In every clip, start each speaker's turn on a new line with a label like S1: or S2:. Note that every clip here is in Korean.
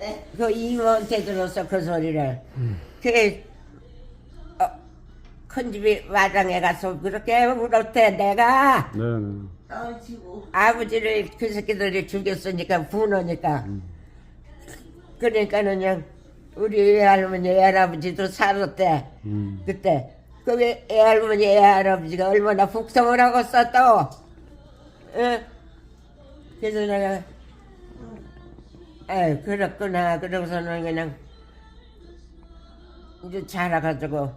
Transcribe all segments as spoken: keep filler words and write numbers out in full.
S1: 그 이모한테 들었어 그 소리를.
S2: 음.
S1: 그 어, 큰 집이 마당에 가서 그렇게 울었대. 내가
S2: 네네.
S1: 아버지를 그 새끼들이 죽였으니까 분하니까. 그러니까는 그냥 우리 외할머니 외할아버지도 살았대.
S2: 음.
S1: 그때 그 외- 외할머니 외할아버지가 얼마나 복성을 하고 썼어. 응? 그래서 내가 에 그렇구나. 그러고서는 그냥 이제 자라가지고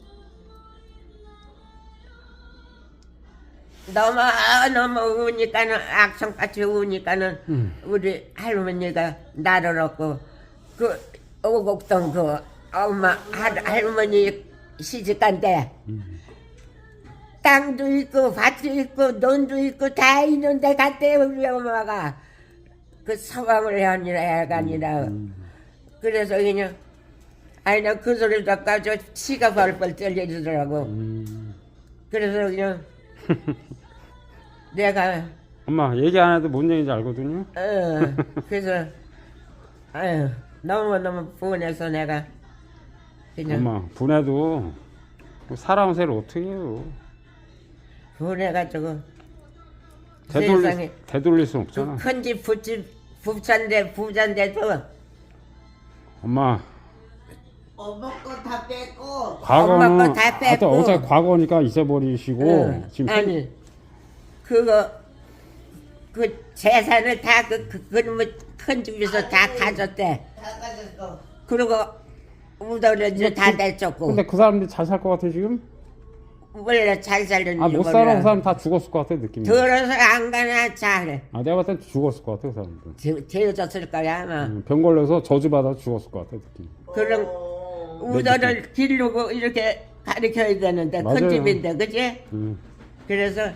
S1: 너무 너무 우니까는 악성같이 우니까는
S2: 음.
S1: 우리 할머니가 나를 얻고 그 오곡동 그 엄마 할, 할머니 시집간데
S2: 음.
S1: 땅도 있고 밭도 있고 논도 있고 다 있는데 갔대 우리 엄마가 그 서방을 하니라 애가 아니라
S2: 음.
S1: 그래서 그냥 아니 나 그 소리 듣고 저 치가 벌벌 떨려지더라고.
S2: 음.
S1: 그래서 그냥 내가
S2: 엄마 얘기 안 해도 뭔 얘기인지 알거든요.
S1: 어 그래서 아유 너무 너무 분해서 내가 그냥
S2: 엄마 분해도 살아온 새를 어떻게 해요?
S1: 분해가지고
S2: 되돌릴,
S1: 세상에
S2: 되돌릴 순 없잖아.
S1: 큰집 부집 부자인데 부자인데도
S2: 엄마
S3: 엄마 거 다 뺐고
S2: 과거는
S1: 엄마 거다
S2: 하여튼
S1: 뺐고.
S2: 어차피 과거니까 잊어버리시고
S1: 응.
S2: 지금
S1: 아니 그거 그 재산을 다그 그놈의 큰 집에서 다 가졌대.
S3: 다 가졌어.
S1: 그리고 우도를 이제 다 내쫓고
S2: 근데 그 사람들이 잘 살 것 같아 지금?
S1: 원래 잘 살렸는지
S2: 아 못
S1: 몰라.
S2: 살아 그 사람 다 죽었을 것 같아 느낌이.
S1: 들어서 안 가나 잘
S2: 아 내가 봤을 땐 죽었을 것 같아 그 사람들.
S1: 되어졌을 거야 아마.
S2: 응, 병 걸려서 저주받아 죽었을 것 같아 느낌.
S1: 그런
S3: 어,
S1: 우도를 기르고 이렇게 가르쳐야 되는데
S2: 맞아요.
S1: 큰 집인데 그지?
S2: 응.
S1: 그래서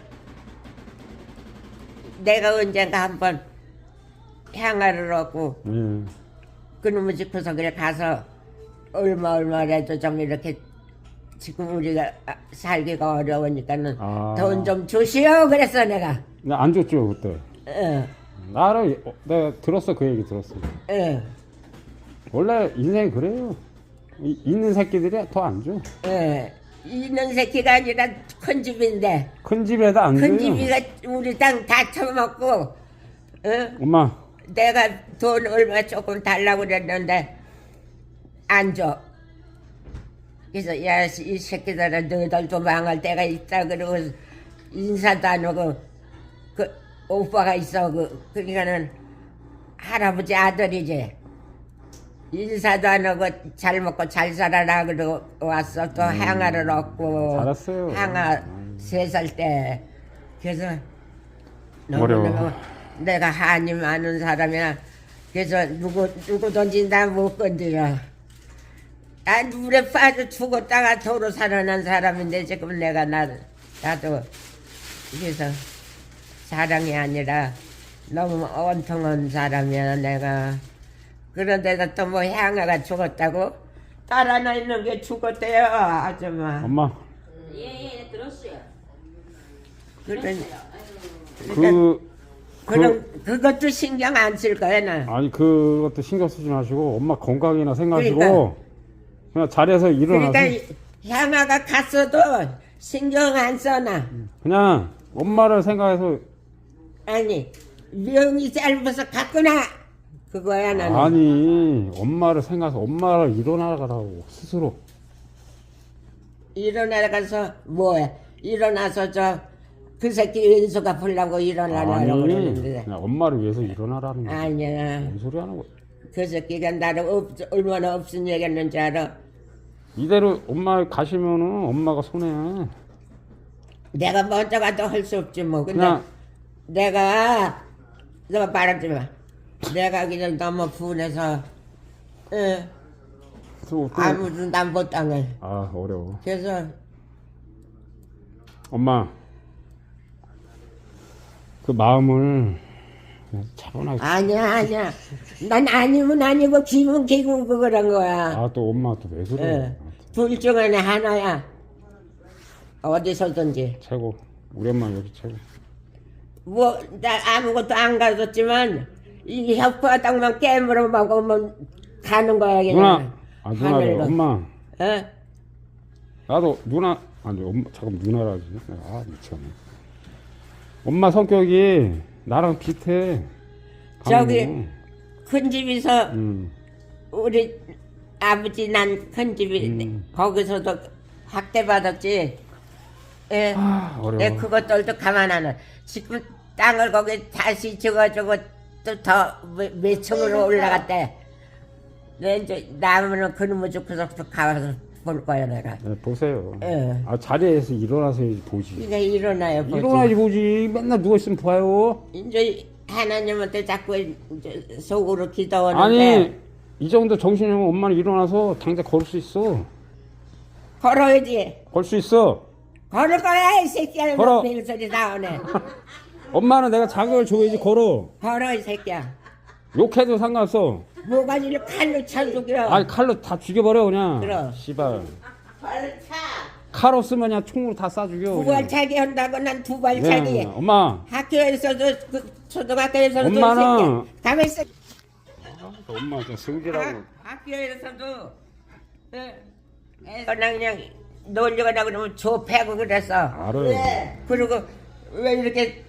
S1: 내가 언젠가 한번 향화를 얻고
S2: 예.
S1: 그놈의 집 구석에 가서 얼마 얼마라도 좀 이렇게 지금 우리가 살기가 어려우니까는
S2: 아.
S1: 돈 좀 주시오 그랬어 내가.
S2: 근데 안 줬죠 그때.
S1: 어,
S2: 나를 어, 내가 들었어 그 얘기 들었어.
S1: 어,
S2: 원래 인생 그래요. 이, 있는 새끼들이 더 안 줘.
S1: 어. 있는 새끼가 아니라 큰 집인데
S2: 큰 집에다 안
S1: 큰
S2: 줘요.
S1: 집이가 우리 땅 다 처먹고 어?
S2: 엄마
S1: 내가 돈 얼마 조금 달라고 그랬는데 안 줘. 그래서 야 이 새끼들은 너희들도 망할 때가 있다 그러고 인사도 안 하고 그 오빠가 있어 그 그러니까는 할아버지 아들이지 인사도 안 하고 잘 먹고 잘 살아라 그러고 왔어. 또 향화를 얻고
S2: 잘했어요.
S1: 향화
S2: 음.
S1: 세 살 때 그래서
S2: 어려워.
S1: 너무너무 내가 한이 많은 사람이야. 그래서 누구 누구든지 나 못 건드려. 난 물에 빠져 죽었다가 도로 살아난 사람인데 지금 내가 나 나도 그래서 사랑이 아니라 너무 온통한 사람이야 내가. 그런데도 또 뭐 향아가 죽었다고? 딸 하나 있는 게 죽었대요 아줌마.
S2: 엄마
S3: 예예 들었어요.
S1: 그런
S2: 그
S1: 그런 그것도 신경 안 쓸 거야 나.
S2: 아니 그것도 신경 쓰지 마시고 엄마 건강이나 생각하시고
S1: 그러니까.
S2: 그냥 자리에서 일어나서
S1: 그러니까 향아가 갔어도 신경 안 써나.
S2: 그냥 엄마를 생각해서
S1: 아니 명이 짧아서 갔구나 그거야 나는.
S2: 아니 엄마를 생각해서 엄마를 일어나라고 스스로.
S1: 일어나가서 뭐해? 일어나서 저 그 새끼 은수가 풀라고 일어나라고
S2: 아니
S1: 그러는데
S2: 그냥 엄마를 위해서 일어나라는 거야.
S1: 아니야.
S2: 뭔 소리 하는 거야.
S1: 그 새끼가 나를 없, 얼마나 없은 얘기했는지 알아?
S2: 이대로 엄마 가시면은 엄마가 손해.
S1: 내가 먼저 가도 할 수 없지 뭐. 근데
S2: 그냥
S1: 내가 너 말하지 마. 내가 그냥 너무 분해서 응,
S2: 또, 또
S1: 아무도 난 못 당해.
S2: 아 어려워.
S1: 그래서
S2: 엄마 그 마음을 그냥 차분하게.
S1: 아니야 아니야. 난 아니면 아니고 기분 기분 그거란 거야.
S2: 아 또 엄마 또 왜 그래?
S1: 응. 둘 중에 하나야. 어디서든지.
S2: 최고. 우리 엄마 여기 최고.
S1: 뭐 나 아무것도 안 가졌지만 이 혓바닥만 깨물어 먹으면 가는 거야 그냥.
S2: 누나, 아 누나래.
S1: 하늘로.
S2: 엄마,
S1: 어?
S2: 나도 누나 아니 엄마 잠깐 누나라지. 아 미쳤네. 엄마 성격이 나랑 비슷해.
S1: 저기
S2: 강은우.
S1: 큰 집에서
S2: 음.
S1: 우리 아버지 난 큰 집이
S2: 음.
S1: 거기서도 학대 받았지. 예.
S2: 아, 어려워.
S1: 내 그것들도 가만 안 해. 지금 땅을 거기 다시 줘가지고 또 더 몇 층으로 올라갔대. 내 이제 나무는 그놈의 주고서 가서 볼 거야 내가.
S2: 네, 보세요.
S1: 예.
S2: 아 자리에서 일어나서 보지.
S1: 이게 일어나요. 보지.
S2: 일어나지 보지. 맨날 누워 있으면 봐요.
S1: 이제 하나님한테 자꾸 이제 속으로 기도하는데.
S2: 아니 이 정도 정신이면 엄마는 일어나서 당장 걸을 수 있어.
S1: 걸어야지.
S2: 걸 수 있어.
S1: 걸을 거야 이 새끼야.
S2: 걸어.
S1: 뭐 소리 나오네.
S2: 엄마는 내가 자극을 줘야지 걸어.
S1: 걸어 이 새끼야.
S2: 욕해도 상관없어.
S1: 모가지를 칼로 쳐 죽여.
S2: 아니 칼로 다 죽여버려 그냥.
S1: 그럼.
S2: 씨발.
S3: 발차.
S2: 칼 없으면 그냥 총으로 다 쏴 죽여.
S1: 두 발차기 한다고 난 두 발차기.
S2: 네, 엄마.
S1: 학교에서도 그 초등학교에서도
S2: 엄마는-
S1: 가만 있어.
S2: 엄마 진짜 성질하고.
S1: 학교에서도 애거나 그냥 놀려가나 그러면 좁혀고 그랬어.
S2: 알아요.
S3: 왜?
S1: 그리고 왜 이렇게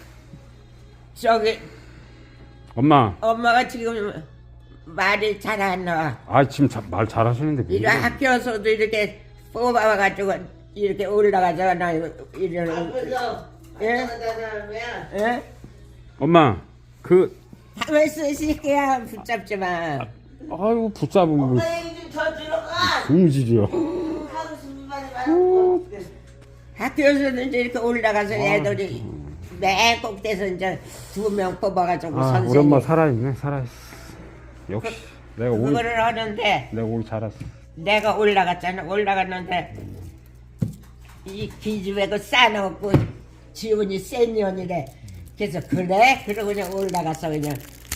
S1: 저기
S2: 엄마.
S1: 엄마가 지금 말이 잘 안 나와.
S2: 아 지금 자, 말 잘하시는데 왜
S1: 이래
S2: 이래?
S1: 학교에서도 이렇게 뽑아가지고 이렇게 올라가잖아. 이런
S3: 앞에서
S1: 예?
S3: 나가면
S1: 예?
S2: 엄마 그
S1: 가만 있어 이 새끼야. 붙잡지 마.
S2: 아이고 붙잡으면 뭐
S3: 선생님 저 들어가.
S2: 음질이야.
S3: 하고 싶은 말이 많고.
S1: 학교에서는 이제 이렇게 올라가서 애들이 맨 꼭대에서 이제 두 명 뽑아가지고
S2: 아 우리
S1: 선생님
S2: 엄마 살아있네 살아있어. 역시 내가 오늘
S1: 그거를 하는데
S2: 내가 오늘 잘했어.
S1: 내가 올라갔잖아. 올라갔는데 이 기집애 그 싸놓고 지훈이 센 년이래. 그래서 그래? 그러고 그냥 올라가서 그냥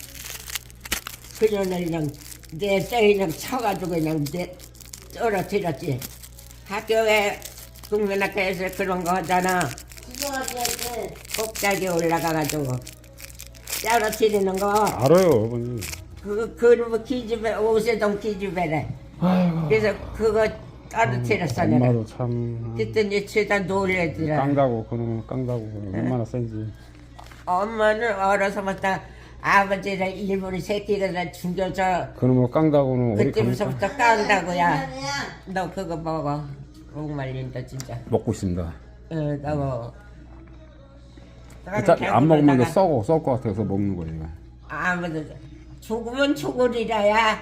S1: 그년을 그냥 내 때 그냥 쳐가지고 그냥 내 떨어뜨렸지. 학교에 국민학교에서 그런 거 하잖아.
S3: 지정하게 할 때.
S1: 꼭대기 올라가가지고 떨어뜨리는 거.
S2: 알아요 어머니.
S1: 그 그놈의 기집애 오세동 기집애래.
S2: 아이고.
S1: 그래서 그거 떨어뜨렸어 내가.
S2: 엄마도 참
S1: 그랬더니 죄다 놀래더라.
S2: 깡다고 그놈은 깡다고 얼마나 센지.
S1: 엄마는 어려서부터 아버지를 일본이 새끼가 다 죽여서
S2: 그놈은 깡다고는 어디 가면
S1: 그때부터 깐다고야.
S3: 아니야.
S1: 너 그거 먹어. 목 말린다 진짜.
S2: 먹고 있습니다.
S1: 응, 너 먹어.
S2: 어차피 안 먹으면 이게 썩어 썩을 것 같아서 먹는 거예요.
S1: 아무도 죽으면 죽으리라야.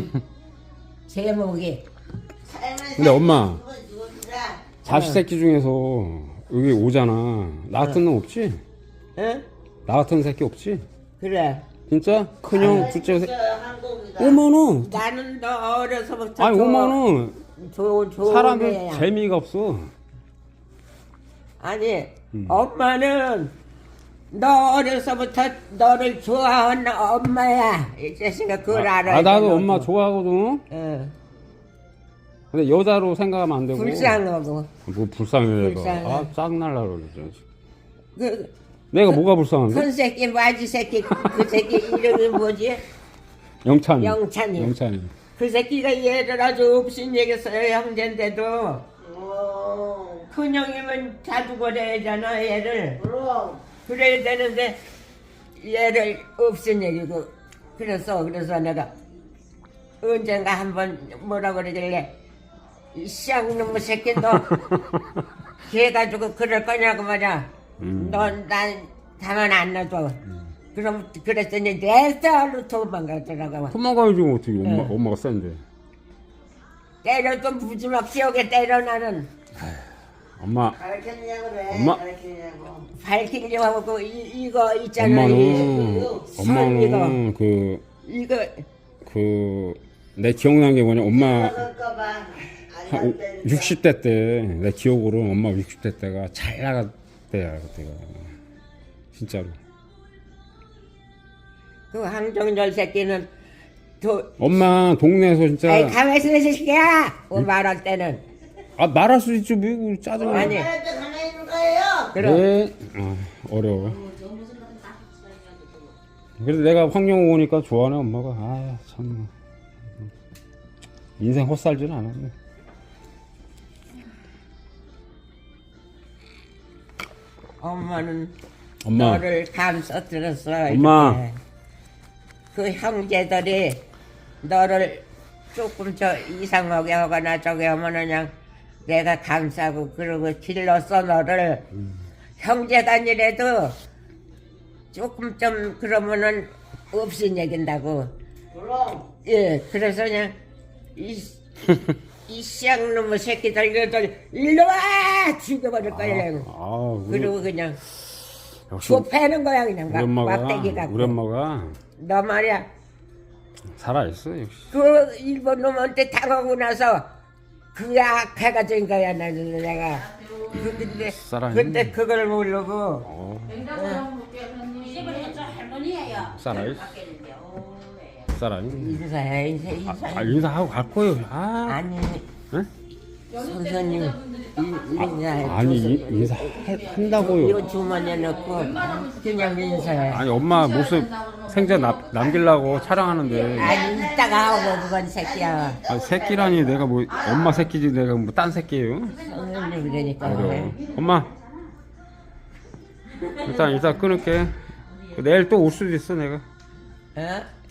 S1: 제목이.
S2: 근데 엄마
S3: 누구라.
S2: 자식 새끼 중에서 여기 오잖아. 나 같은 놈 없지?
S1: 응?
S2: 나 같은 새끼 없지?
S1: 그래.
S2: 진짜? 큰형 둘째 새
S3: 한국이다.
S2: 오면은
S1: 나는 너 어려서부터
S2: 아니 오면은
S1: 좋은 좋은
S2: 사람들
S1: 애야.
S2: 재미가 없어.
S1: 아니 엄마는 너 어려서부터 너를 좋아하는 엄마야. 이 자식아 그걸
S2: 아,
S1: 알아야
S2: 아, 나도
S1: 돼,
S2: 엄마
S1: 너도.
S2: 좋아하거든.
S1: 응.
S2: 근데 여자로 생각하면 안 되고.
S1: 불쌍하고.
S2: 뭐 불쌍해 내가.
S1: 불쌍해.
S2: 아 짱날라 그래.
S1: 그
S2: 내가 뭐가 불쌍한데?
S1: 큰 새끼 마지 새끼 그 새끼 이름이 뭐지?
S2: 영찬이.
S1: 영찬이.
S2: 영찬이.
S1: 그 새끼가 얘를 아주 없인 얘기했어요. 형제인데도
S3: 어.
S1: 큰형이면 자주 거래하잖아 얘를.
S3: 그럼.
S1: 그래야 되는데 얘를 없인 얘기고. 그래서 그래서 내가 언젠가 한번 뭐라 그러길래 이 쌍놈의 새끼 너 걔가지고 그럴 거냐고 말이야.
S2: 음.
S1: 넌 난 가만 안 놔둬. 그럼 그랬더니 내 딸로 도망가더라고.
S2: 도망가야지 뭐 어떻게 엄마
S1: 네.
S2: 엄마가 센데.
S1: 때려도 무지막 지옥에 때려 나는.
S2: 엄마
S3: 가르쳤냐고 그래.
S2: 엄마.
S3: 가르쳤냐고.
S1: 밝히려고 하고 이, 이거 있잖아. 이,
S2: 엄마는
S1: 이거
S2: 엄마는 그
S1: 이거
S2: 그 내 기억나는 게 뭐냐 엄마
S3: 그럴까봐.
S2: 한 오- 육십 대 때 내 기억으로 엄마 육십 대 때가 잘 나갈 때야 그때가 진짜로.
S1: 그 황정열 새끼는 도
S2: 엄마 동네에서 진짜
S1: 아이 가만히 있어 이 새끼야. 그 말할 때는
S2: 아 말할 수 있죠 뭐 짜증나.
S1: 아니.
S3: 말할 때 가만히 있는 거예요.
S1: 그럼
S2: 네. 아, 어려워. 그래도 내가 황룡 오니까 좋아하네 엄마가. 아 참 인생 헛살지는 않았네.
S1: 엄마는
S2: 엄마.
S1: 너를 감싸들었어.
S2: 엄마.
S1: 이렇게. 그 형제들이 너를 조금 저 이상하게 하거나 저기 하면 그냥 내가 감싸고 그러고 길렀어 너를. 형제단이라도 조금 좀 그러면은 없인 얘긴다고.
S3: 그럼
S1: 예, 그래서 그냥 이, 이 쌍놈의 새끼들 이들 일로 와 죽여버릴 거야. 그냥.
S2: 아, 우리,
S1: 그리고 그냥
S2: 역시
S1: 좁혀는 거야 그냥
S2: 우리
S1: 막
S2: 엄마가
S1: 막대기 갖고.
S2: 우리 엄마가
S1: 너 말이야
S2: 살아있어 역시.
S1: 그 일본 놈한테 당하고 나서 그 악해가진 거야 나는 내가. 그 근데
S2: 살아있네.
S1: 그때 그걸 모르고
S2: 어, 살아있어. 살아있네.
S1: 인사해 인사 인사.
S2: 아 인사하고 갈 거예요. 아,
S1: 아니
S2: 응?
S1: 선생님 인- 인사해.
S2: 아니
S1: 줘서.
S2: 인- 인사한다고요.
S1: 이거 주머니에 넣고 그냥 인사해.
S2: 아니 엄마 모습 생전 남, 남기려고 촬영하는데
S1: 아니 이따가 하고 그건 새끼야.
S2: 아, 새끼라니 내가 뭐 엄마 새끼지 내가 뭐 딴 새끼예요?
S1: 선생님 그러니까
S2: 그래. 엄마 일단 일단 끊을게. 내일 또 올 수도 있어 내가.
S1: 어?